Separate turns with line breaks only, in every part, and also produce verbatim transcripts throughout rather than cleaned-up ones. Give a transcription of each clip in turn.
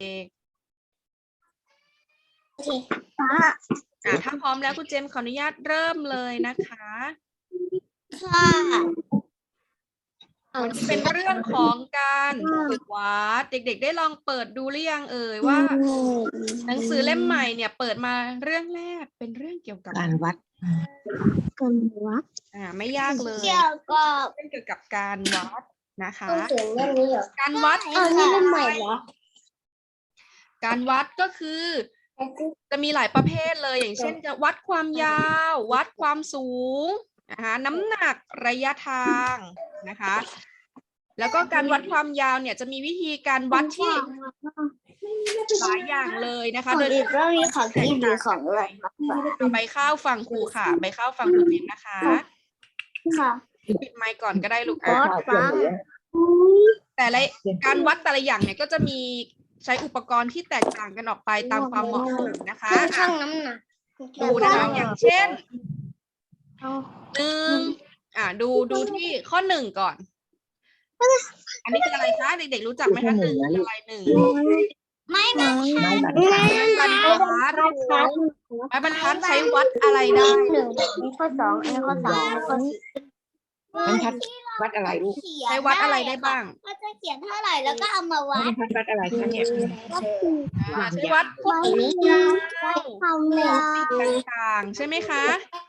กๆอ่าถ้าพร้อมแล้วคุณเจมส์ขออนุญาตเริ่มเลยนะคะ
ค่ะ
วันนี้เป็นเรื่องของการฝึกวัดเด็กๆได้ลองเปิดดูหรือยังเอ่ยว่าหนังสือเล่มใหม่เนี่ยเปิดมาเรื่องแรกเป็นเรื่องเกี่ยวกับ
การวัด
การวัด
อ่าไม่ยากเลย
เกี่ยวกับ
เรื่องเกี่ยวกับการวัดนะคะ
หนังสือเล่มนี้เหรอ
การวัด
อ้าวนี่เล่มใหม่เหรอ
การวัดก็คือจะมีหลายประเภทเลยอย่างเช่นจะวัดความยาว วัดความสูงนะคะน้ำหนักระยะทางนะคะแล้วก็การวัดความยาวเนี่ยจะมีวิธีการวัดที่หลายอย่างเลยนะคะ
ของ
โดย
อีกเรื่องนี้ของกินหรือของอะไร
เอาใบข้าวฟังครูค่ะใบข้าวฟังครูจิมนะคะ
ค่ะ
ปิดไมค์ก่อนก็ได้ลูก
วั
อ่ะ
ดฟัง
แต่ละการวัดแต่ละอย่างเนี่ยก็จะมีใช้อุปกรณ์ที่แตกต่างกันออกไปตามความเหมาะสมนะคะ
ช่างน้ำหนัก
ดูนะคะอย่างเช่นหนึ่งอ่าดูดูที่ข้อหนึ่งก่อน อันนี้คืออะไรคะเด็กๆรู้จักไหมคะหนึ่งคืออะไรหนึ่ง
ไม่บรรทัด
ไม้บรรทัดไม้บรรทัดใช้วัดอะไรได้
หนึ่งมีข้อสองอันนี้ข้อสามอันนี้ข้อสี่
บรรทัดวัดอะไรลูก
ใช้วัดอะไรได้บ้าง
ก็จะเขียนเท่าไหร่แล้วก็เอามาวั
บร
ด
รทัดวัดอะไรคะเนี่ย
อ่าใช้วัดพวกยาว
ความยาว
ต่างๆใช่ไหมคะ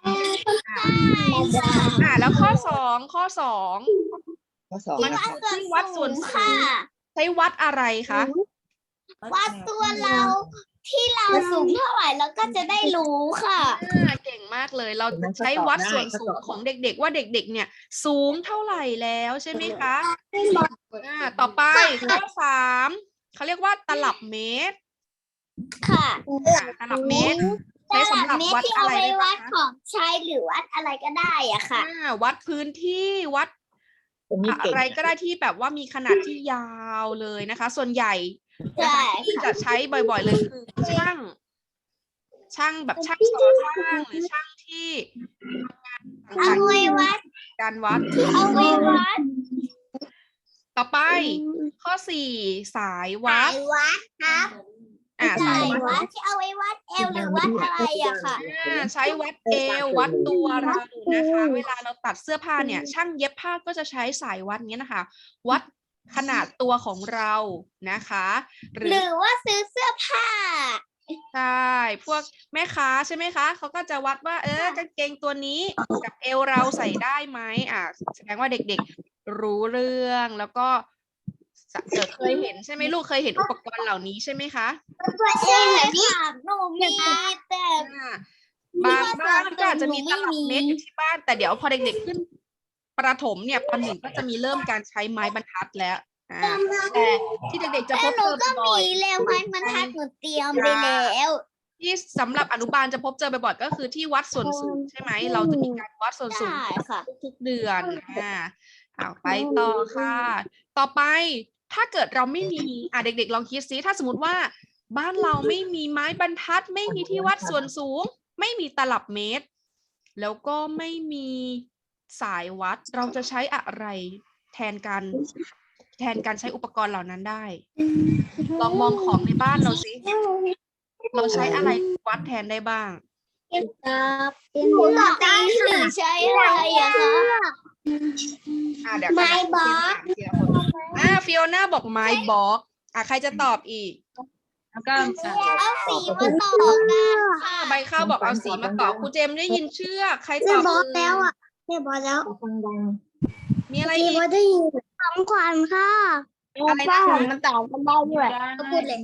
อ่าแล้วข้อสองข้อสอง
ข้อสอง
มัน
นะ
คือ
คะ
ที่วัดส่วนสู
ค่ะ
งใช้วัดอะไรคะ
วัดตัวเราที่เราสูงเท่าไหร่แล้วก็จะได้รู้ค่ะ
อ่าเก่งมากเลยเราจะใช้วัดส่วนสูงของเด็กๆว่าเด็กๆเนี่ยสูงเท่าไหร่แล้วใช่ไหมคะอ่าต่อไปข้อสามเขาเรียกว่าตลับเมตร
ค่ะ
อ่าตลับเมตร ใช้สำหรับวัด
ที่
อะ
เอา
ไร
ไว้
ได้
วั
บ้าง
ด
คะ
ของใช้หรือวัดอะไรก็ได้อะค่ะ
อ่าวัดพื้นที่วัด
ตรงนี้
อะ
เก่ง
ไรก็ได้ที่แบบว่ามีขนาดที่ยาวเลยนะคะ ส่วนใหญ่นะคะ
ใช่
ที่จะใช้บ่อยๆเลยคือช่าง ช่างแบบช่างก่อสร้างหรือช่างที่ทำงาน
เอา
ต่าง
ไว้วัด
ๆการวัด
เอาไว้วัด
ต่อไปข้อสี่สายวั
สา
ด
ยวัดครับ
อ่าสา
สาย ย
วั
วั
ด
ดที่เอาไว้วัดเอวหรือวัดอะไรอะค่ะ
อ่าใช้วัดเอววัดตัวเรานะคะ เวลาเราตัดเสื้อผ้าเนี่ย ช่างเย็บผ้าก็จะใช้สายวัดเนี้ยนะคะ วัดขนาดตัวของเรานะคะ หรื
หรือว่าซื้อเสื้อผ้า
ใช่พวกแม่ค้าใช่ไหมคะเขาก็จะวัดว่าเออกางเกงตัวนี้กับเอวเราใส่ได้ไหมอ่าแสดงว่าเด็กๆรู้เรื่องแล้วก็เออเคยเห็นใช่ไหมลูกเคยเห็นอุปกรณ์เหล่านี้ใช่ไหมคะ
ใช่ค่ะหนูมีแต่
อ่าบางบ้านก็อาจจะมีตลับเมตรอยู่ที่บ้าน แต่เดี๋ยวพอเด็กๆขึ้นประถมเนี่ยปหนึ่งก็จะมีเริ่มการใช้ไม้บรรทัดแล้วอ่าแต่ที่เด็กๆจะพ
แต่
บ
หนู
เจอ
ก็
บ่อย
มีแล้วไม้บรรทัดหนูเตรียมไปแล้ว
ที่สำหรับอนุบาลจะพบเจอบ่อยๆก็คือที่วัดส่วนสูงใช่ไหมเราจะมีการวัดส่วนสูง
ได้ค่ะ
ทุกๆเดือนอ่าเอาไปต่อค่ะ ต่อไปถ้าเกิดเราไม่มีอ่ะเด็กๆลองคิดซิถ้าสมมติว่าบ้านเราไม่มีไม้บรรทัด ไม่มีที่วัดส่วนสูง ไม่มีตลับเมตร แล้วก็ไม่มีสายวัดเราจะใช้อะไรแทนการแทนการใช้อุปกรณ์เหล่านั้นได้ ลองมองของในบ้านเราสิเราใช้อะไรวัดแทนได้บ้าง
ปกติหรือใช้อะไรอะคะ
อ่าเดี๋ยวกันนะ
ไม้บล็อก
เดี๋ยวคนอ่าฟิโอน่าบอกไม้บล็อกอ่ะใครจะตอบอีก
แล้วก็จะ
เอาสีมาต่อกันค่ะ
ใบข้าวบอกเอาสีมาต่อครูเจมส์ได้ยินเชือกใครตอบ
แม่บอสแล้วอ่ะแม่บอสแล้ว
ฟังดัง
มีอะไร
แม่
อี
บอก สได้ยินของขวัญค่ะ
อะไรนะ
มันต่อกันได้ด้วยก็พูดเลย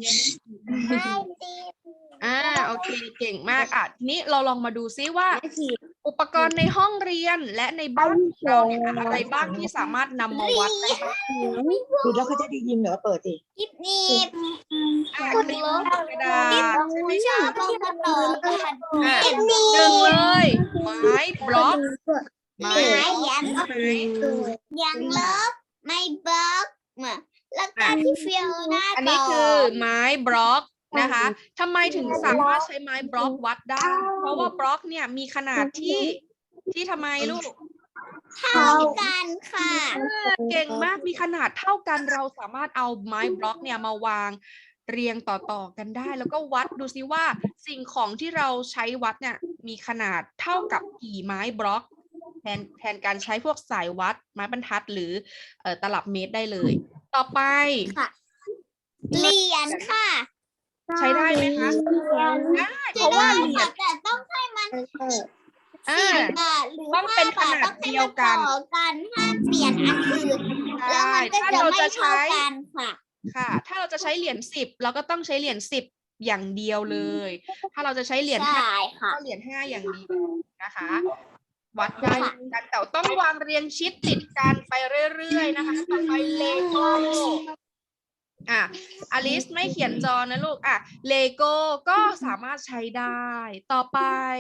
อ่าโอเคเก่งมากอ่ะทีนี้เราลองมาดูซิว่า อุปกรณ์ในห้องเรียนและในบ้านของเราเนี่ยอะไรบ้างที่สามารถนำมาวัดได้บ้าง
ดูแล้วเขาจะได้ยินเหรอเปิดดิ
กิ๊บนีบ
อ่ะคลิปกระดาษใช่ไหม
ชอบเอามาต่อกัน
อ่ะ
กิ๊บนี
หนึ่ง
บ
เลยไม้บล็อกไม้
ไม้ยัน
ใช่ไหม
ยังลบไม่บล็อกมาแล้วก็ที่เฟียวหน้า
อัน
ต่
นี้
อ
คือไม้บล็อกนะคะทำไมถึงสามารถใช้ไม้บล็อกวัดได้ เพราะว่าบล็อกเนี่ยมีขนาดที่ที่ทำไมลูก
เท่ากันค่ะ
เก่งมากมีขนาดเท่ากันเราสามารถเอาไม้บล็อกเนี่ยมาวางเรียงต่อๆกันได้ แล้วก็วัดดูซิว่าสิ่งของที่เราใช้วัดเนี่ยมีขนาดเท่ากับกี่ไม้บล็อกแทนแทนการใช้พวกสายวัดไม้บรรทัดหรือเอ่อตลับเมตรได้เลย ต่อไป
ค่ะเหรียญค่ะ
ใช้ได้ไหมคะได้เพ
จะ
ราะว่า
ได้
เหรีย
ค่ะ
ญ
แต่ต้องให้มัน
อ่า
สิบบาทหรือ
ต้องเป็น
ห้าบาท
ขนาด
ต้องให้
เดียว
มัน
กัน
ต่อกันห้ามเปลี่ยนอันอื่น
ใช่
แล้วมันก็
ถ้า
จะ
เรา
ไม่
จะ
เท่า
ใช้
กันค่ะ
ค่ะ ถ้าเราจะใช้เหรียญสิบเราก็ต้องใช้เหรียญสิบอย่างเดียวเลย ถ้าเราจะใช้เหรียญ
ใช่
ห้า
ค่ะ
ก็เหรียญห้าอย่างเดียวนะคะ วัดได้เหมือนกันแต่ต้องวางเรียงชิดติดกันไปเรื่อยๆนะคะต่อไปเลโก้อ่ะอลิสไม่เขียนจอนะลูกอ่ะเลโก้ก็สามารถใช้ได้ ต่อไป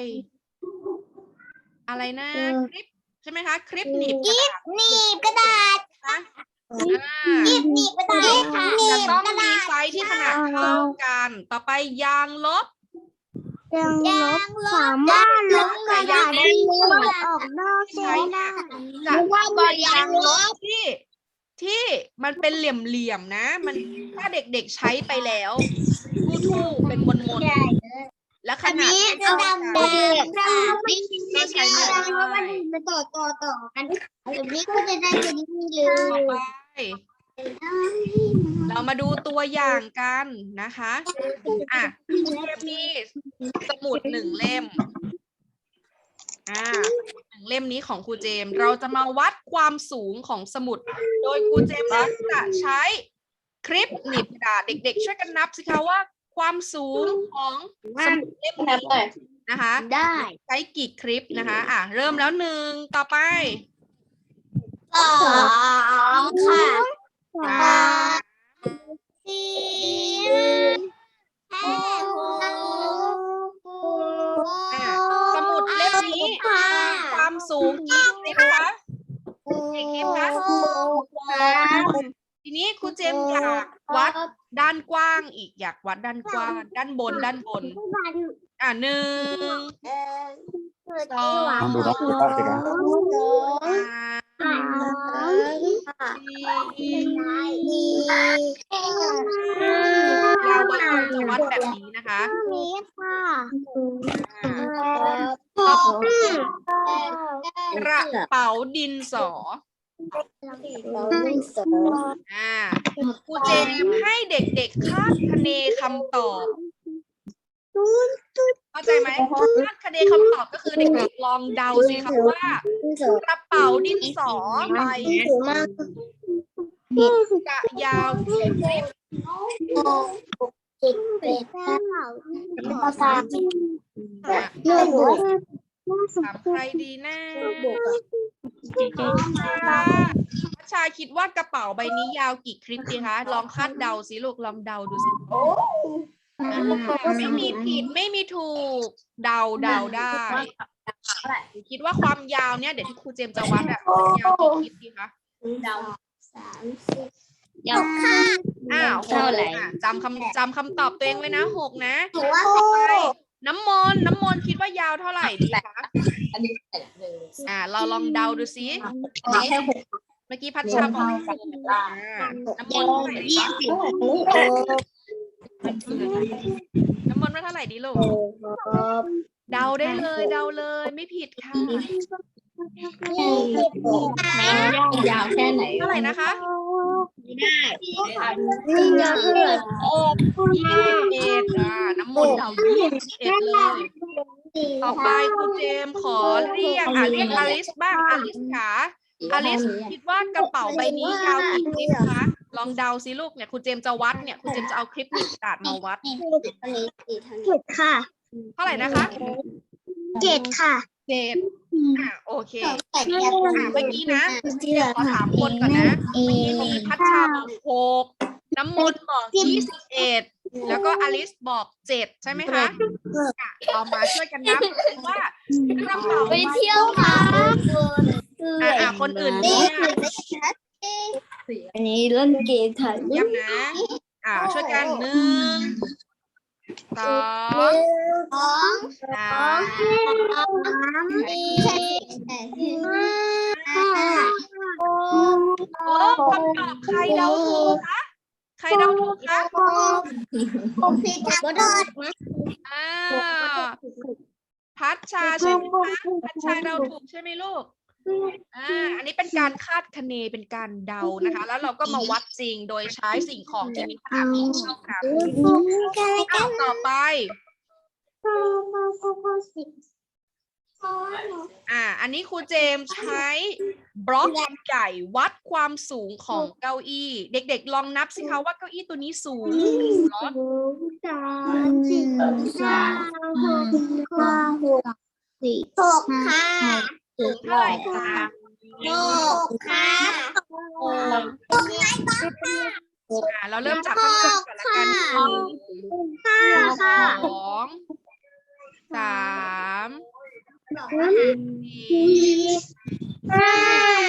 อะไรนะคลิปใช่ไหมคะคลิปหนีบกระดาษ
หนีบกระดาษ
อ่า
หนีบหนีบกระดาษค่ะหนี
จะ
บ
ต้อง
กระ
มี
ดาษ
ไซส์ที่ขนาดเท่ากัน ต่อไปยางลบ
ยางลบสามารถลบกระดาษที่ออกนอก
ใช้เนี่ยจะต้องเป็นยางลบที่ที่มันเป็นเหลี่ยมๆนะ มันถ้าเด็กๆใช้ไปแล้วทู่ๆเป็นมนๆและขนาด
จะ
เท่า
ดำ
กัน
แดงค่ะไม่ใช่
ก็ใช้ไม่ได้
เพราะมันมันต่อต่อต่อกันแบบนี้ก็จะได้เป็นนี่เล
ต่อย ไป เรามาดูตัวอย่างกันนะคะอ่ะมีสมุดหนึ่งเล่มอ่าหนึ่งเล่มนี้ของครูเจมส์เราจะมาวัดความสูงของสมุด โดยครูเจมส์นั้นจะใช้คลิปหนีบกระดาษเด็กๆช่วยกันนับสิคะว่าความสูงของสมุดเล่มนี้นะคะ
ได้
ใช้กี่คลิปนะคะอ่ะเริ่มแล้วหนึ่งต่อไป
สองค่ะ
สาม
สี่ห้าหก
อ่ะสมุดเล่มนี้ความสูงกี่คลิปคะกี่คลิปคะสามทีนี้ครูเจมส์อยากวัดด้านกว้างอีกอยากวัดด้านกว้างด้านบนด้านบนอ่ะหนึ่งสอง
ลองดูน้องครูภาพสิครับ
สามสี่เราวัดจะวัดแบบนี้นะคะ
นี้ค่ะ
อ่าต่อไปกระเป๋าดินสอ อ่าครูเจมส์ให้เด็กๆคาดคะเนคำตอบเข้าใจไหมคาดคะเนคำตอบก็คือเด็กๆลองเดาสิคะว่ากระเป๋าดินสอใบจะยาวกี่คลิป
จิตเป็ดภาษา
อ่ะ
เรื่องบุก
ถามใครดีนะพัชชาคิดว่ากระเป๋าใบนี้ยาวกี่คลิปดีคะลองคาดเดาสิลูกลองเดาดูสิอ่าไม่มีผิดไม่มีถูกเดาเดาได้คิดว่าความยาวเนี่ยเดี๋ยวที่ครูเจมส์จะวัดอะยาวกี่คลิปดีคะ
สามสิบเดี๋ยวค่ะ
อ้าว
เท่าไหร่
อ่ะจำคำจำคำตอบตัวเองไว้นะหกนะ
ถือว่า
ต่อไปน้ำมนต์น้ำมนต์คิดว่ายาวเท่าไหร่ดีคะอ่า เราลองเดาดูซิเมื่อกี้พัชชาบอกหกอ่าน้ำมนต์เท่าไหร่ดีคะน้ำมนต์ว่าเท่าไหร่ดีลูกเดาได้เลยเดาเลยไม่ผิดค่ะ
ยาวแค่ไหน
เท่าไหร่นะคะ
ไม่ยาวเ
ยี่สิบเอ็ดอ่าน้ำมนต์เดายี่สิบเอ็ดเลย ต่อไปครูเจมส์ขอเรียกอ่ะเรียกอลิสบ้างอลิสค่ะอลิสคิดว่ากระเป๋าใบนี้ยาวกี่คลิปคะลองเดาสิลูกเนี่ยครูเจมส์จะวัดเนี่ยครูเจมส์จะเอาคลิปหนีบกระดาษมาวัด
จ็ดค่ะ
เท่าไหร่นะคะ
เจ็ดค่ะ
เจ็ดอ่ะโอเค
แต่
อ่ะเมื่อกี้นะขอถามคนก่อนนะเมื่อกี้มีพัชชาบอกหกน้ำมนต์บอกยี่สิบเอ็ดแล้วก็อลิสบอกเจ็ดใช่ไหมคะอ่ะเรามาช่วยกันนับว่ากระเป๋า
ไปเที่ยวค่ะ
อ่ะอ่ะคนอื่นเนี่ย
อันนี้เล่นเกมถ่าย
เยี่ยมนะ อ่า ช่วยกันหนึ่งสอง
สอง
สาม
สี่ห้าหก
โอ้คำตอบใครเดาถูกคะใครเดาถูกคะ
หกสิบทับเกิด
อ่าพัชชาใช่ไหมคะพัชชาเดาถูกใช่ไหมลูกอ่าอันนี้เป็นการคาดคะเนเป็นการเดานะคะ แล้วเราก็มาวัดจริงโดยใช้สิ่งของที่มีขนาดเท่ากันอ้าวต่อไป อ่า อันนี้ครูเจมส์ใช้บล็อกใหญ่วัดความสูงของเก้าอี้ เด็กๆลองนับสิคะว่าเก้าอี้ตัวนี้สูงเหรอ
หกค่ะ
สูงเท่าไหร่คะ
หกค่ะ
อ่าเราเริ่มจากข้างล่างก่อนละกันหนึ่ง
ห้าค่ะ
สองสามสี่
ห้า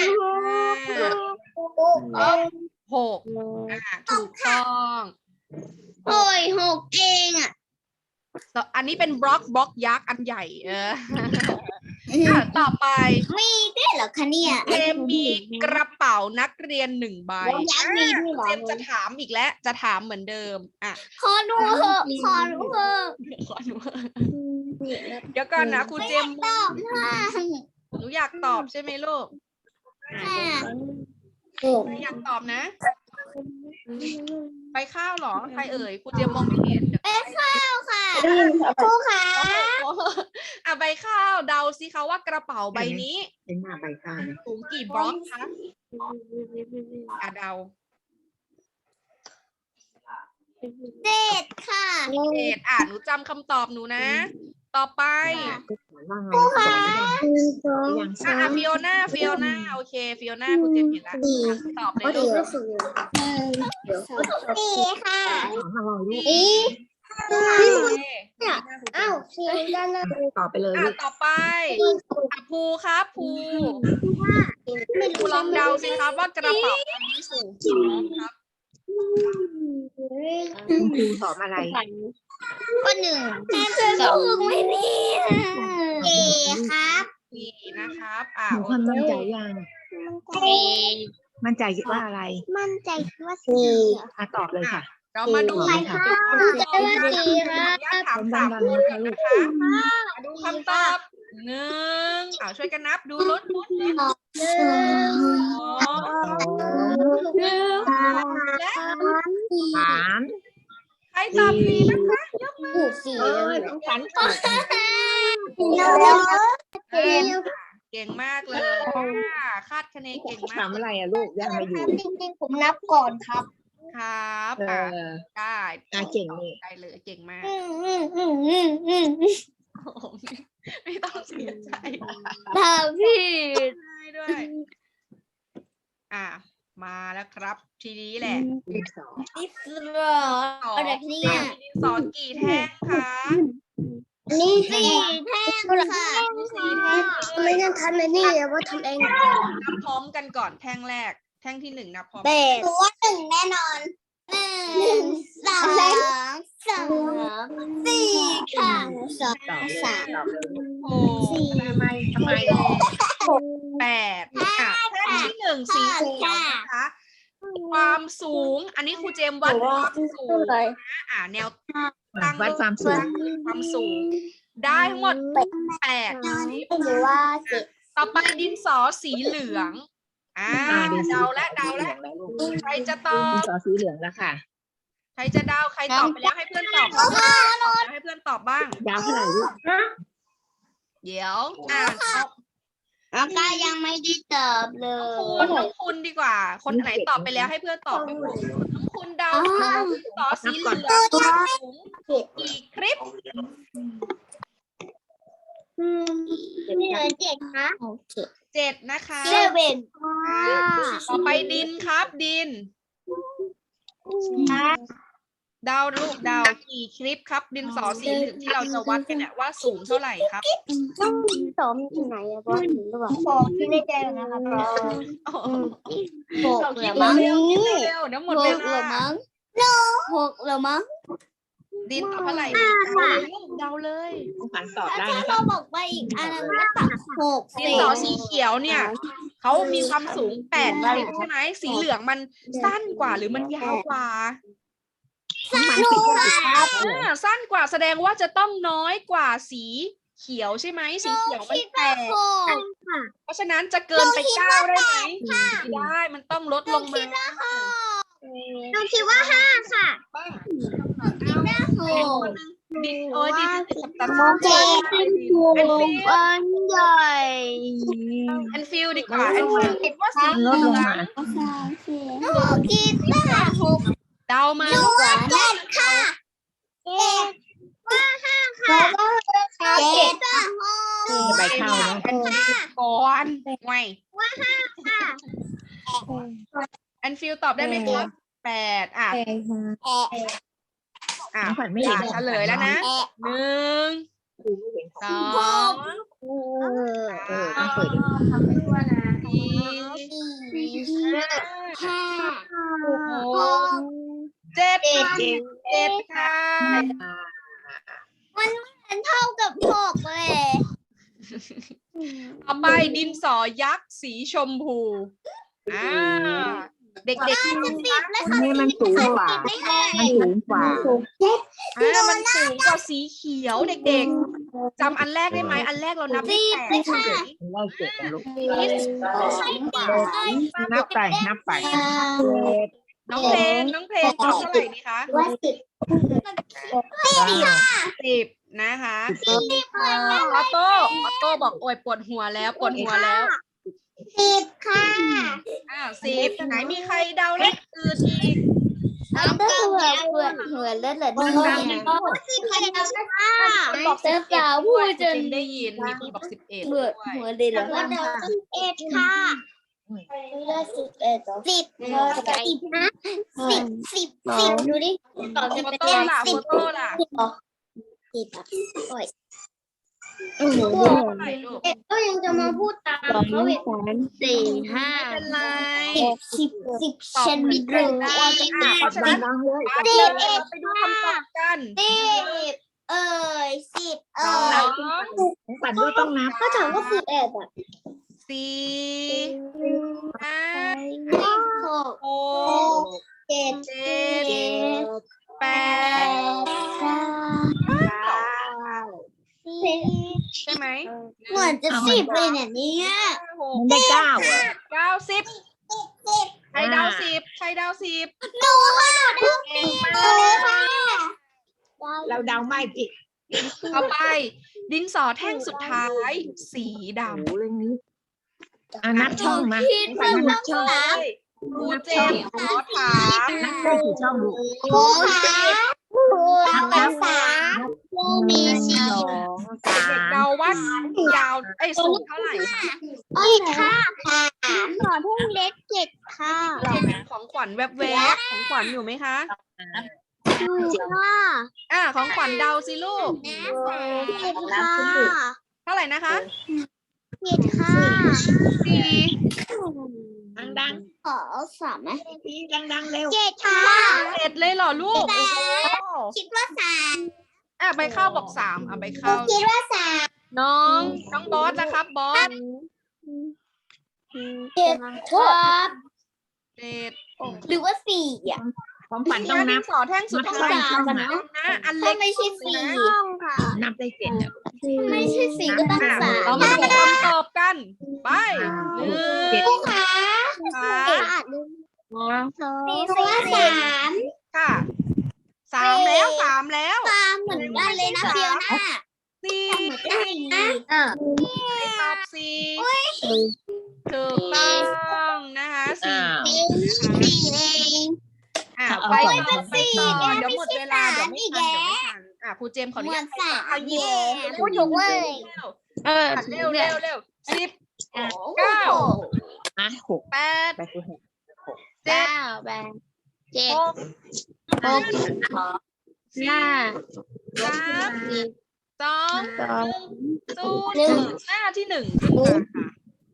ห้าหกอ่าถูกต้อง
โอ้ยหกเองอ่ะ
ต่ออันนี้เป็นบล็อกบล็อกยักษ์อันใหญ่เอออ่ะต่อไป
มีด้วยเหรอคะเนี่ย
เจมมีกระเป๋านักเรียนหนึ่งใบ
ยักษ์มีด้วยเหรอ
เจมจะถามอีกแล้วจะถามเหมือนเดิมอ่ะ
ขอดูเถอะขอดูเถอะ
ขอดูเดี๋ยวก่อนนะครูเจม
ตอบค่ะ
หนูอยากตอบใช่ไหมลูก
ค่ะ
หนูอยากตอบนะ ไปข้าวเหรอใครเอ่ยครูเจมมองไม่เห็นเดี๋ยว
ไปข้าวค่ะครูค่ะ
โอ้โหอ่ะใบข้าวเดาสิคะว่ากระเป๋าใบนี้
เป็นหน้าใบข้าวนะ
สูงกี่บล็อกคะอ่ะเดา
เจ็ดค่ะ
เจ็ดอ่ะหนูจำคำตอบหนูนะ ต่อไป
ว่าไงคะยัง
อ่ะอ่ะฟิโอน่าฟิโอน่าโอเคฟิโอน่าครูเจมเห็นแล้วอ่ะตอบเลยลูก
สี่ค่ะ
ของเราลูก
อี
โอเค
อ้าวสี่กันนะ
ตอบไปเลย
อ่ะ
ลูก
ต่อไปอ่ะภูครับภู
ไม่
ภู
รู้
ลองเดาสิครับว่ากระเป๋าใบนี้สูงกี่บล็อกครับ
คุณครูสอบอะไร
ก็หนึ่งสองไม่มีเอครับ
สี่นะครับอ่ะ
หนู
โอ
ความ
เค
มั่นใจยัง
เอ
มั่นใจว่าอะไร
มั่นใจว่าสี่
อ่ะตอบเลยค่ะ
เรามาดู
ไป
ค่ะ
ค่ะ
มั่นใจว่าสี่ค
ขอ
รั
อนุญาต
บ
ถาม
ดั
สาง ม
ดัง
คน
นะคะ
นะ
ลูก
คะมาดูคำตอบหนึ่งอ่าช่วยกันนับดูลดลดลด
หนึ่ง
สองหนึ่งและ
สาม
ใครตอบผิดนะคะยกมือ
ถูกสี่
เออต้องฝันตอบ
แล้ว
อ่าเก่งมากเลยอ่าคาดคะเนเก่งมาก
ถามอะไรอ่ะลูกยังไม่อยู่
จริงๆผมนับก่อนครับ
ครับ
เอ
อ่า
อ
ได้
อ่ะเก่งนี่
ได้เลยเก่งมาก
อืมอืมอืมอืมอืม
โอ้โหไม่ต้องเสียใจ
ทำผิด
ได้ด้วย อ่า มาแล้วครับ ทีนี้แหละ
ดินสอ
นี่คือเหรออะไรเนี่ย
ดินสอกี่แท่งคะ
นี่สี่แท่งค่ะ
สี่แท่ง
ไม่ต้องทำเลยนี่ว่าทำเอง
นับพร้อมกันก่อนแท่งแรก แท่งที่หนึ่งนับพร้อม
แปดตัวหนึ่งแน่นอนหนึ่งสองสามสี่ค่ะสอง
ตอบเลย
สาม
ตอบเลย
โอ้
ทำไมทำไม
แปดอ่ะแท่งที่หนึ่งสีเขียวนะคะ ความสูง อันนี้ครูเจมส์วัดความสูงนะอ่าแนวตั้ง
วัดความสูง
ความสูง ได้ทั้งหมดแปด
หรือว่าเจ็ด
ต่อไปดินสอสีเหลือง อ่า
อ่าดินสอ
เดาและเดาและ
แล้วลูก
ใครจะตอ
ดิน
บ
สอสีเหลืองแล้วค่ะ
ใครจะเดาใครตอบไปแล้วให้เพื่อนตอบบ้างตอบแล้วให้เพื่อนตอบบ้าง
ยาวเท่าไหร่ลูก
เดี๋ยวอ่านเอา
แล้วก็ยังไม่ได้ตอบเล
คุณน้องคุณดีกว่า คนไหนตอบไปแล้วให้เพื่อนตอบบ้างน้องคุณเดาดินสอสีเหลืองความสูงกี่คลิป
นี่เลยเจ็ดนะโอเค
เจ็ดนะคะ
เซเว่น
อ่าต่อไปดินครับดิน เดาลูกเดากี่คลิปครับ ดินสอสีเหลืองที่เราจะวัดกันเนี่ยว่าสูงเท่าไหร่ครับ
ต้องสมที่ไหนอะบอสหรือเปล่าบอกที่ได้แจ้งนะครับบอส
โอ้โห
หก
เรา
เห
คิ
รือ
ด
มั้ง
เร็วๆคิดเร็วๆเดี๋ยวหมด
ห
เว
กเหรือ
ลา
มั้งหกเหรือมั้ง
ดินตอบเท่าไหร่เดาเลยลูกเดาเลย
ต้องฝันตอบได้
ถ้า
นะ
เรา
คะ
บอกไปอีกอันนั้นก็ตัดหก
ดินสอสีเขียวเนี่ยเขามีความสูงแปดสิบใช่ไหมสีเหลืองมันสั้นกว่าหรือมันยาวกว่า
มันปิดครับ
อ่าสั้นกว่าแสดงว่าจะต้องน้อยกว่าสีเขียวใช่ไหมสีเขียวมันแปดเพราะฉะนั้นจะเกินไปเก้าได้ไหมไม่ได้มันต้องลดลงมา
หนูคิดว่าห้าค่ะ
บ้าง
หก
ดินโอ้ยดินตัด
โอเค
แอนฟิล
อันใหญ่
แอนฟิลดีกว่าแอนฟิลคิดว่าสี
ล
เห
ด
ลื
ล
อง ง
มา
หนูคิดว่าหก
เดามา
หนูว่าเจ็ดค่ะเจ็ดว่าห้าค่ะเจ็ดว่าหก
ใบข้าวนะ
ก่อนไง
ว่าห้าค่ะ
แอนฟิลตอบได้ไหมครับแปดอ่ะ
แอะ
อ่ะ
น้องขวัญไม่เห็น
เฉลยแล้วนะ
แอะ
หนึ่งสอง
เออต้องเปิดดู
สี่
ห้า
หกเจ็ดค่ะเจ็ดค่ะ
มันเท่ากับหกเลย
ต่อไปดินสอยักษ์สีชมพูอ่าเด็กๆ
จะสิบแล้วค่ะ
นี่มันสูงกว่า
ไม่ได้
มันสูงกว่า
อ่ามันสูงกว่าสีเขียวเด็กๆจำอันแรกได้ไหมอันแรกเรานับได้แปดใช่ไหม
ไล่เจ็ดนะลูก
ใช่ค่ะ
นับไปนับไป
น้องเพลงน้องเพลงตอบเท่าไหร่ดีคะ
ว่าสิบ
สิบนะคะออโต้ออโต้บอกโอยปวดหัวแล้วปวดหัวแล้ว
สิบค่ะ
อ่าสิบไหนมีใครเดาเลขอื่นอีก
น้ำก็เหมือนเหมือนเหมือนแล้วเหรอเนี่ยสิบเอ็ดค่ะ
บอกสิบเอ็ด
พูดจน
ได้ยินมีคนบอกสิบเอ็ด
เหมื
ด้
อ
วน ย
เหมือนเลยเหรอสิบเอ็ดค่ะสิบเอ็ดสิบสิบนะสิบสิบสิบดูดิตอบจะ
โฟ
เป็น
โต้ล่ะ
สิ
โฟ
บ
โต้ล่ะ
สิบโอ้ย
เท่าไหร่ลูก
เอ็ดก็ยังจะมาพูดตามเขาอีกสี่ห้า
ไม่เป็นไร
สิบสิบฉันไม่รู้ว่าจะ
อ่าเพราะฉะนั้น
ดังเลย
อ่ะเดี๋ยวเราไปดูคำตอบกัน
สิบเอ้ยสิบ
ส
เอ้
อย ง
ของขวัญก็ต้องนับ
ก็ถามว่าสิบเอ็ดอ่ะ
สี่ห้า
หก
หก
เจ็ด
เจ็ดแป
แป
ด
ดเก้า
สิบใช่ไหม
เหมือนจะสิบเลยเนี่ยเนี่ย
หก
มันได้เก้าอ่ะ
เก้าสิบใครเดาสิบใครเดาสิบ
หนูค่ะหนู
เก่งมา
เดาเลยค่ะ
ก
เราเดาไม่ผิด
ต่อไป ดินสอแท่งสุดท้าย สีด
โอ้เรื่องนี้อ่ะนับช่องมา
คิด
ขวั
ว่า
ญนับช่อง
ำครูเจมส์ขอถาม
นับได้กี่ช่องลูก
ครูค่ะครูนับสามครูมีสี่
สองสา
เด็ก
ม
เดาว่ายาวไอ้ยสูงเท่าไหร่คะ
อีกค่ะขอทุ่งเล็กเจ็ดค่ะ
ของขวัญแวบๆของขวัญอยู่ไหมคะ
ถูกค่ะ
อ่าของขวัญเดาสิลูก
เจ็ดค่ะ
เท่าไหร่นะคะ
เจ็ดค่ะ
สี่
ดังดัง
ขอสามไหม
ๆทีดังดังๆเร็ว
เจ็ดค่ะ
เจ็ดเลยเหรอลูกโอ้โห
คิดว่าสาม
อ่ะใบข้าวบอกสามอ่ะใบข้าว
คิดว่าสาม
น้องน้องบอสนะครับบอส
เจ็ดครับ
เจ็ด
หรือว่าสี่อ่ะ
ของขวัญต้องนับ
สอแท่งสุดท้าย
นับสาม
นะนะอัน
ถ้า
เล็ก
ไม่ใช่สี่
นับได้เจ็ดอ่ะ
ไม่ใช่สี่ก็ต้อง
อ่ะ
สาม
เรามาดูคำตอบกันไปหนึ่ง
เจ็ด
ค่ะ
ค่ะ
สี่ว่าสาม
ค่ะสามแล้วสามแล้ว
ตามเหมือนกันเลยนะเฟียวน่า
สี่
เหมือนกันนะอ่ะ
ตอบสี่ถูกต้องนะคะสี่
สี่เอง
อ่ะ
เอา
ไป
ก่อน
ต่อไปต่อ
สี่
เดี๋ยวหมดเวลาเดี๋ยวไม่ทันเดี๋ยวไม่ทันอ่ะครูเจมส์ขออ
เห
นุ
มือ
ญาน ต
สาม
เอา
เย่
ยิ้ม
พูดถูกเลย
เออเร็วเร็วเร็วสิบเก้า
อ่ะหก
แปด
ไปคือหก
เจ็ด
เก้าแปดเจ็ด
หก
หก
สี่
ห้า
สามสอง
สอง
ศูน
หนึ่ง
ย์หน้าที่หนึ่งขึ้นมาค่ะ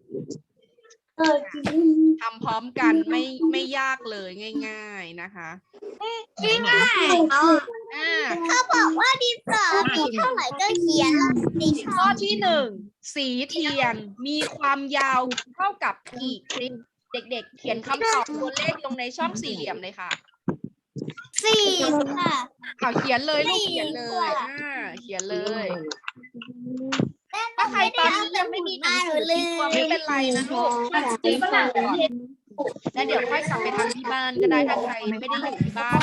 ทำพร้อมกันไม่ไม่ยากเลยง่าย ๆนะคะ
ง่ายเขา
อ่า
เขาบอกว่าดินสอมีเท่าไหร่ก็เขียนแล้วสิ
ข้อที่หนึ่งสีเทียนมีความยาวเท่ากับกี่คลิปเด็กๆ เขียนคำตอบตัวเลขลงในช่องสี่เหลี่ยมเลยค่ะ
สี่ค่ะ
เอาเขียนเลยลูกเขียนเลยอ่าเขียนเลย ถ้าใครตอนนี้ยังไม่มีหนังสือติดตัวไม่เป็นไรนะลูกมันจริงก่อนแล้วเดี๋ยวค่อยกลับไปทำที่บ้านก็ได้ถ้าใครไม่ได้อยู่ที่บ้าน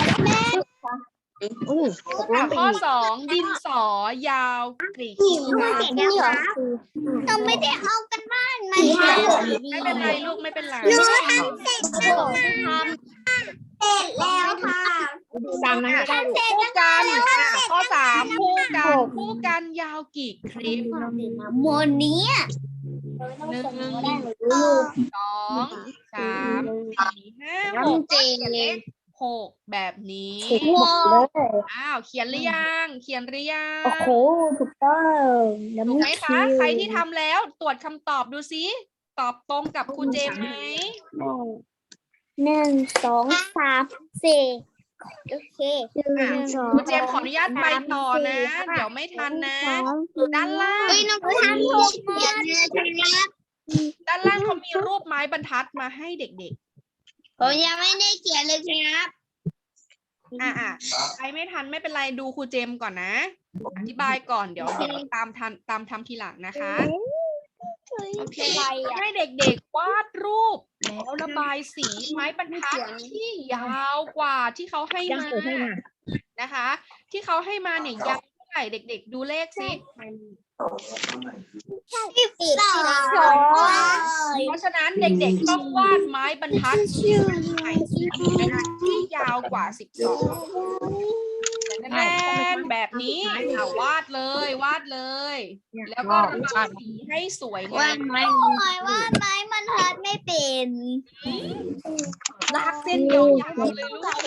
อ่ะข้อสองดินสอยาวกี่ขีด
นี่เหรอเราไม่ได้เอากันบ้านมาทำ
ไม่เป็นไรลูกไม่เป็นไร
หนูทำเสร็จแล้วค่ะเสร็จแล้วค่ะ
ตามนั้นก็ได้ลูก
คู่กันอ่ะข้อสามคู่กันคู่กันยาวกี่คลิป
โมนี้
หนึ่งสองสามสี่ห้าหกหกแบบนี้
ว้าว
อ้าวเขียนหรือยังเขียนหรือยัง
โอ้โหถูกต้อง
ถูกไหมคะใครที่ทำแล้วตรวจคำตอบดูซิตอบตรงกับครูเจมส์ไหม
หนึ่งสองสามสี่โอเค
อ่ะครูเจมส์ขออนุญาตไปต่อนะ เดี๋ยวไม่ทันนะ ด้านล่าง
เฮ้ยน้องทำถูกหมดนะครับ
ด้านล่างเขามีรูปไม้บรรทัดมาให้เด็ก
ผมยังไม่ได้เขียนเลยครับ
ๆ อ่ะอ่ะใครไม่ทันไม่เป็นไรดูครูเจมส์ก่อนนะ อธิบายก่อนเดี๋ยวเดี๋ยวตามทันตามทำทีหลังนะคะ
โอเคอะไรอ่ะ
ให้เด็กๆวาดรูปแล้วระบายสีไม้บรรทัดที่ยาวกว่าที่เขาให้
ยัง
มา
เปิดให้มา
นะคะ ที่เขาให้มาเนี่ยยาวเท่าไหร่เด็กๆ ดูเลขสิ
สิบสอง
เพราะฉะนั้นเด็กๆต้องวาดไม้บรรทัดที่ใหม่ที่ยาวกว่าสิบสองแน่นแบบนี้อ่ะวาดเลยวาดเลย แล้วก็ระบายสีให้สวยงาม
ไม่หมายว่าไม้มันทัดไม่เป็น
ลากเส้นยาวๆเลยลูก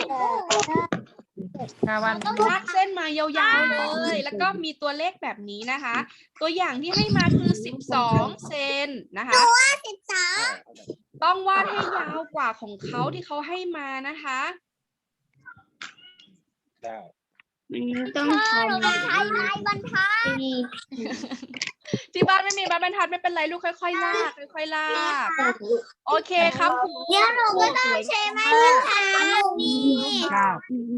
วัน
ต้องลากเส้นมายาวๆเลย แล้วก็มีตัวเลขแบบนี้นะคะ ตัวอย่างที่ให้มาคือสิบสองเซนนะคะ
สิบสอง
ต้องวาดให้ยาวกว่าของเขาที่เขาให้มานะคะ
ต้องทำใช้ไม้บรรทัด
ที่บ้านไม่มีไม้บรรทัดไม่เป็นไรลูกค่อยๆลากค่อยๆลากโอเคครับครู
เดี๋ยวหนูก็ต้องใช้ไม้บรรทัดนี่
เก้า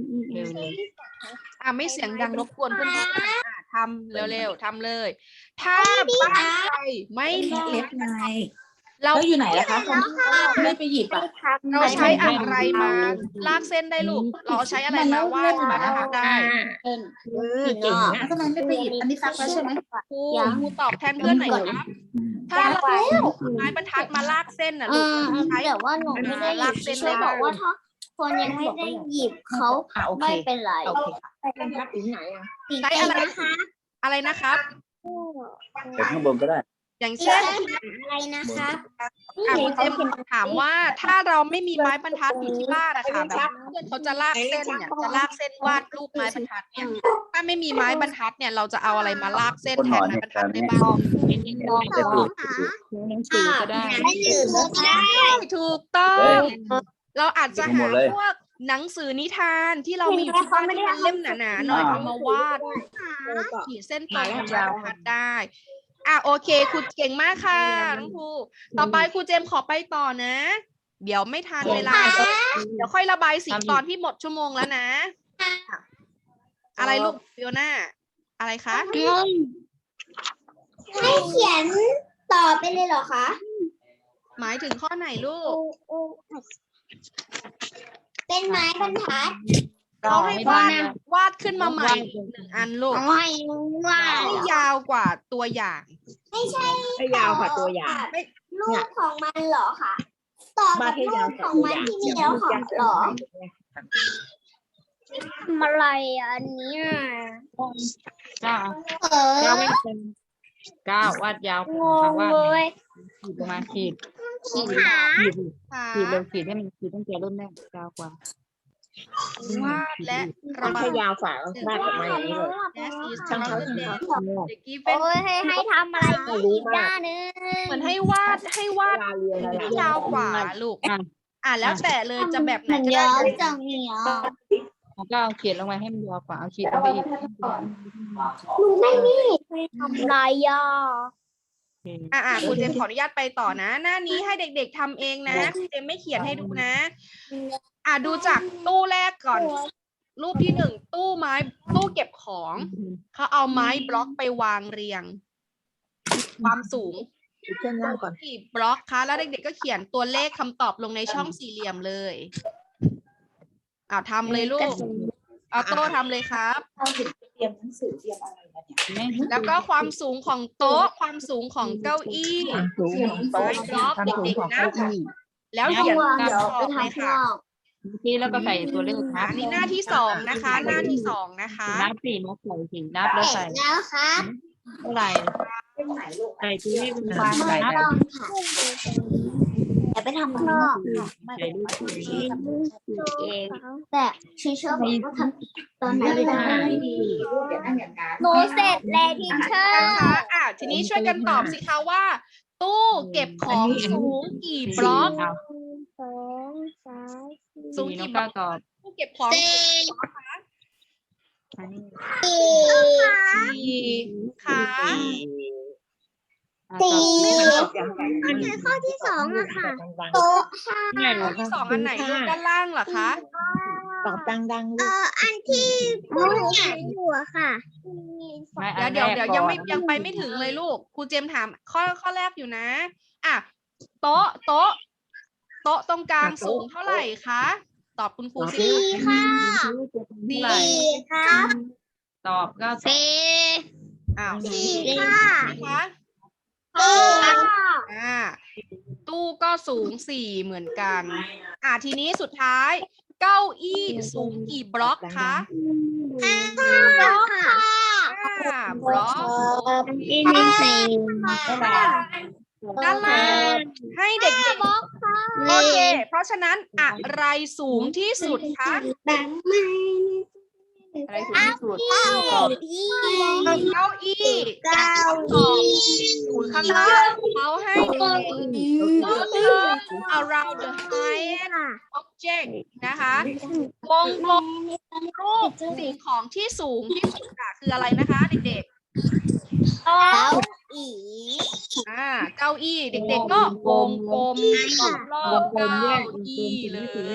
อ่ะไม่เสียงดังรบกวนเพื่อนๆอ่ะทำเร็วๆทำเลย ถ้าบ้านใครไม่มีเล็บ
ไง
เรา
แล้วอยู่ไหนล่ะคะคนที่ไม่ไปหยิบอ่ะ
เราใช้อะไรมาลากเส้นได้ลูก เราใช้อะไรมาวาดมานะคะได้
เอิ้น
เออเก่งนะ
แล้วทำไมไม่ไปหยิบอันนี้ซักแล้วใช่ไหม
ครูครูตอบแทนเพื่อนหน่อยครับถ้าเราไม้บรรทัดมาลากเส้นน่ะ
เอ
ลูก
อ
ใช้
แต่ว่าหนูไม่ได้หยิบช่วยบอกว่าถ้าคนยังไม่ได้หยิบเขา
อ่ะโอเค
ไม่เป็นไร
โอเค
เป็นพัดถึงไหนอ่ะ
ใช้อะไรอะไรนะครับ
เดี๋ยวข้างบนก็ได้
อย่างเช่น
อะไรนะคะ
อ่ะคุณเจมส์ถามว่าถ้าเราไม่มีไม้บรรทัดอยู่ที่บ้านอะค่ะแบบเพื่อนเขาจะลากเส้นเนี่ยจะลากเส้นวาดรูปไม้บรรทัดเนี่ยถ้าไม่มีไม้บรรทัดเนี่ยเราจะเอาอะไรมาลากเส้นแทนไม้บรรทัดได้บ้าง
หนังสือก็ได้
ไม่หยิบก็ได้
ถูกต้องเราอาจจะหาพวกหนังสือนิทานที่เรามีอยู่ที่บ้านที่มันเล่มหนาๆหน่อยเอามาวาดขีดเส้นตรงกับไม้บรรทัดได้อ่ะโอเคครูเก่งมากค่ะน้องครูต่อไปครูเจมส์ขอไปต่อนะ เดี๋ยวไม่ทันเวลาเดี๋ยวค่อยระบายสีตอนที่หมดชั่วโมงแล้วนะอะไรลูกฟิโอน่าอะไรคะ
ให้เขียนต่อไปเลยเหรอคะ
หมายถึงข้อไหนลูก
เป็นไม้บรรทัด
เราให้วาดวาดขึ้นมาใหม่อีกหนึ่งอันลูก
ไม่ว่า
ให้ยาวกว่าตัวอย่าง
ไม่ใช่
ให้ยาวกว่าตัวอย่าง
ลูกของมันเหรอคะต่อกับลูกของมันที่มีแล้วของเหรอทำอะไรอันนี้
เก้า
เออ
เก้าไม่เป็นเก้าวาดยาว
งง
วาด
เลย
ขีดประมาณขีด
ขีดหา
ขีด
ค่ะ
ขีดเร็วขีดให้มันขีดตั้งแต่รุ่นแรกยาวกว่าว
าดและ
มั
ระ
น
บา
แค่
ย
ยาวฝ่าแล้ววาดออกมาอย่างนี้เลย
That is
ช่างเขา
another
ที่
day
เขาทำ
The given
โอ้ยให้ให้ทำอะไรอีกด้านนึง
เหมือนให้วาดให้วาด
ยาวเรียวเลย
ให้ยาวกว่าลูก
อ่ะ
อ่ะแล้วแต่เลยจะแบบไหน
มัน
ก็
ยา
ได้
วจังเนี่ย
อแล้วก็เอาเขียนลงมาให้มันยาวกว่าเอาขีดลงไปอีก
หนูไม่นี่ทำไรย่อ
อ่าครูเจมส์ขออนุญาตไปต่อนะ หน้านี้ให้เด็กๆทำเองนะครูเจมส์ไม่เขียนให้ดูนะ อ่าดูจากตู้แรกก่อน รูปที่หนึ่งตู้ไม้ตู้เก็บของเขาเอาไม้บล็อกไปวางเรียง ความสูง
เส้นล่างก่อน
กี่บล็อกคะแล้วเด็กๆก็เขียนตัวเลขคำตอบลงในช่องสี่เหลี่ยมเลยอ่าทำเลยลูกเอาโต้ทำเลยครับ
เตรียมหนังสือเตรียมอะไรมาเนี่ย
แล้วก็ความสูงของโต๊ะความสูงของเก้าอี้
ความสูงของโต๊ะ
ไม้บล็อก
ความสูง
เด็ก
ของ
ๆนะ
เก้าอี้
แล้วเขียน
เดี๋ยว
คำต
ไป
อบเลย
ทำข้าง
ค่ะ
นอก
เมื่อกี้แล้วก็ใส่ตัวเลข
อ่า
นับ
อันนี้หน้าที่สองนะคะ หน้าที่สองนะคะ
นับสี่นับใส่สี่นับแล้วใส่
แล้วครับ
เท่าไหร่
เป็นไหนลูก
ใส่ตัวเลขเป็นวาง
ไม่
นับ
ต้องค่ะเดี๋ยวไปทำข้างนอก
ใส่รูปตัวเอง
แต่ชีเชอร์บอกว่าทำตอนไหน
ไม่ได้
ไม่ดีลูกอย่านั่งอย่างนั้น
หนูเสร็จแล้วทีเชอร์
นะคะอ่าทีนี้ช่วยกันตอบสิคะว่า ตู้เก็บของสูงกี่บล็อก
สองสาม
สูง
สี่น้อ
กี่
ง
บล็
ก้า
อก
วตอบ
ตู้เก็บของ
สี่
อันนี้
สี่ค่ะ
อ่ะตอบ
อันไหนข้อที่สองอะค่ะ
โต๊ะ
ข้อที่สองอันไหนลูกด้านล่างเหรอคะ
ตอบดังๆ
เอ่
ลูก
ออันที่ผู้หนูเขียนอยู่อะค่ะ
ไม่อั
เดี๋ย
น
วเดี๋ยว
แรก
เดี๋ยวยังไม่
ก่อน
ยังไปไม่ถึงเลยลูกครูเจมส์ถามข้อข้อแรกอยู่นะอ่ะโต๊ะโต๊ะโต๊ะตรงกลางสูงเท่าไหร่คะตอบคุณครูสิ
สี่ค่ะ
เท่าไหร่
สี่ครับ
ตอบก็ตอบ
สี่
อ้าว
สี่ค่ะ
นะคะ
สี่ค่ะ
อ่าตู้ก็สูงสี่เหมือนกัน อ่าทีนี้สุดท้าย เก้าอี้สูงกี่บล็อกคะ
ห้าบล็อกค่ะ
ห้าบล็อก
อีกสี่
เท่าไหร่
ด้านล่างให้เด็ก
บล็อกค่ะ
ๆโอเค เพราะฉะนั้นอะไรสูงที่สุดคะ
แบ่งไม่
อะไรสูงที่สุด
เก้า
ตอบ
อี้
เก้าอี้
เก้าอี้
สูงข้างล่างเขาให้เด็กๆ turn around the highest object นะคะวงกลมรูปสิ่งของที่สูงที่สุดอะคืออะไรนะคะเด็ก
เก้าอี้
ๆอ่าเก้าอี้เด็กๆก็วงกลมรอบๆเก้าอี้เลย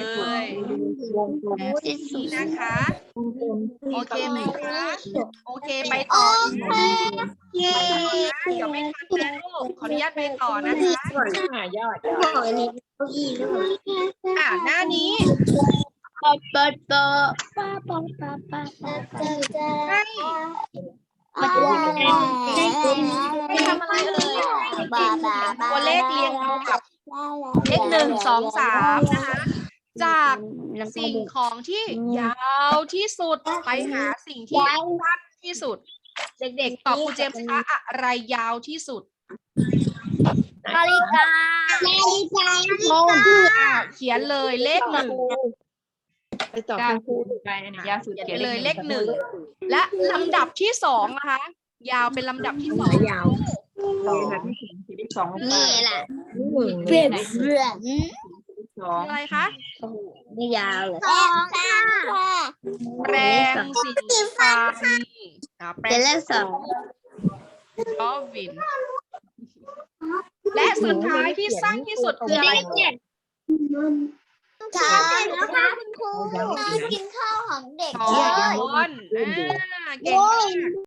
วงกลม
นี่นะคะ
วงกลม
โอเคไหมคะโอเคไปต่อนะ
เย้
เดี๋ยวไม่ทันนะลูกขออนุญาตไปต่อนะคะ
อ่ะยอด
บอกเลยเก้าอี้ด้วย
อ่าหน้านี้
ปะปะปะปะปะปะปะปะปะ
ให้
มันจะเป็น
ให้ทำอะไรเอ่ยตัวเลขเรียงเอากับเลขหนึ่งสองสามนะคะ จากสิ่งของที่ยาวที่สุดไปหาสิ่งที่สั้นที่สุด เด็กๆตอบครูเจมส์คะอะไรยาวที่สุด
นาฬิกานาฬิกา
อ่าเขียนเลยเลขหนึ่ง
ไปต่อ
ก้า
คุ
ว
ณครู
ไปอันนี้ยาวสุด
เขียนไปเลยเลขหนึ่งและลำดับที่สองนะคะ ยาวเป็นลำดับที่สอง
ยาว
สองแบบที่สองที่สองลงไป
นี่แหละ
หนึ่ง
เปลี่ยนเปลี่ยน
สอง
อะไรคะ
ไม่ยาวเลยสองค่ะ
แปรงสีฟันอ่าแปร
เป็น
ง
เลขสอง
กอวิน และสุดท้ายที่สั้นที่สุดคืออะไร
ค่ะแล้วค่ะคุณครูมากินข้าวของเด็ก
ช้อนอ่าเก่งมาก